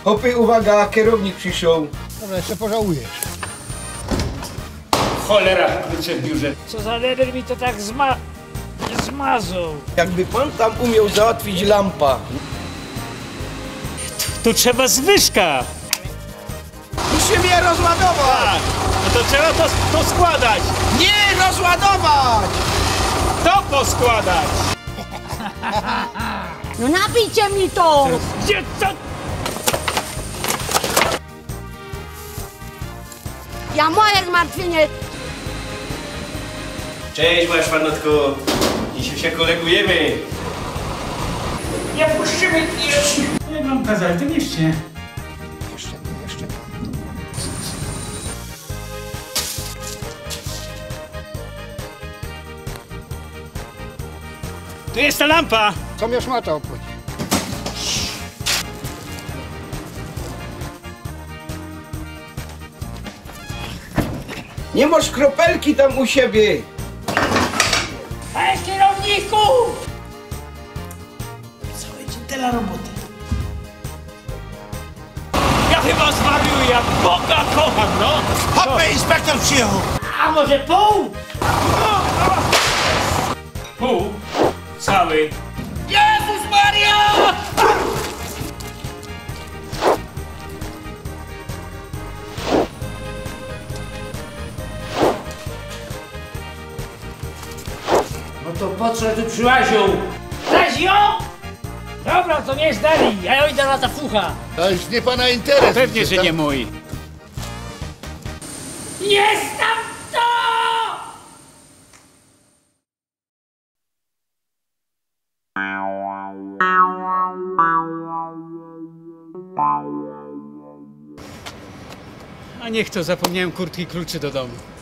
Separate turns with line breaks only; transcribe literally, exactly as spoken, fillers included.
Hopy, uwaga, kierownik przyszedł.
Dobra, jeszcze pożałujesz.
Cholera, klucze w biurze.
Co za leder mi to tak zma... zmazał.
Jakby pan tam umiał załatwić lampa.
Tu trzeba zwyżka.
Muszę mnie rozładować!
No to trzeba to, to składać.
Nie rozładować!
To poskładać.
No nabijcie mi to!
Gdzie to?
Ja moje zmartwienie!
Cześć, moja szwanotko. Dzisiaj się kolegujemy.
Nie puścimy jeszcze. Nie mam kazać, to jeszcze.
Jeszcze, jeszcze.
Tu jest ta lampa.
Co mnie szmata obchodzi?
Nie masz kropelki tam u siebie.
Hej, kierowniku!
Cały dzień tyle roboty. Ja chyba zwariuję, ja Boga kocham, no.
Hopy, inspektor przyjechał.
A może pół?
Pół. Cały.
Jezus Maria! No to po co tu przyłaził? Zazio? Dobra, to nie zdali, ja idę na ta fucha.
To już nie pana interes.
Pewnie, że nie mój.
Jest tam to!
A niech to, zapomniałem kurtki, kluczy do domu.